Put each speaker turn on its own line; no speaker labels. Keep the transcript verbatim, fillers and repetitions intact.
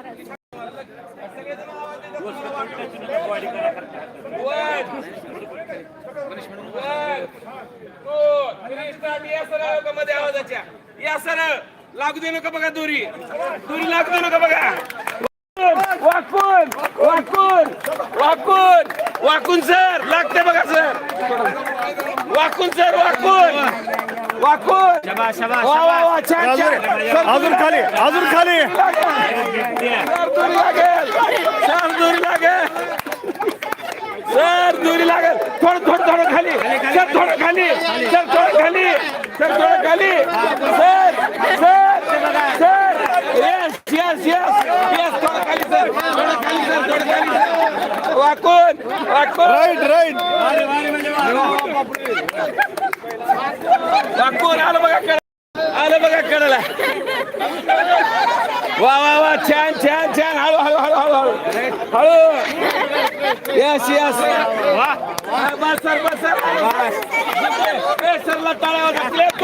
मध्ये आवाजाच्या या सर लागू दे नका बघा दोरी दोरी लागू दे नका बघा वाकून वाकून वाकून वाकून सर लागते बघा सर वाकून सर वाकून वाकून वा वा वा छान छान
अजून खाली अजून खाली
सर दोरी लागेल सर दोरी लागेल सर दोरी लागेल थोडं थोडं थोडं खाली सर थोडं खाली सर थोडं खाली सर थोडं खाली sir sir sir yes yes yes yes थोडं खाली सर थोडं खाली सर थोडं खाली वाकून वाकून
राईट राईट
वाकून आलं बघा कड आलं बघा कडला वा वा वा छान छान छान हळू हळू हळू हळू हळू हळू यस यस बस सर बस सर सरला टाळ्या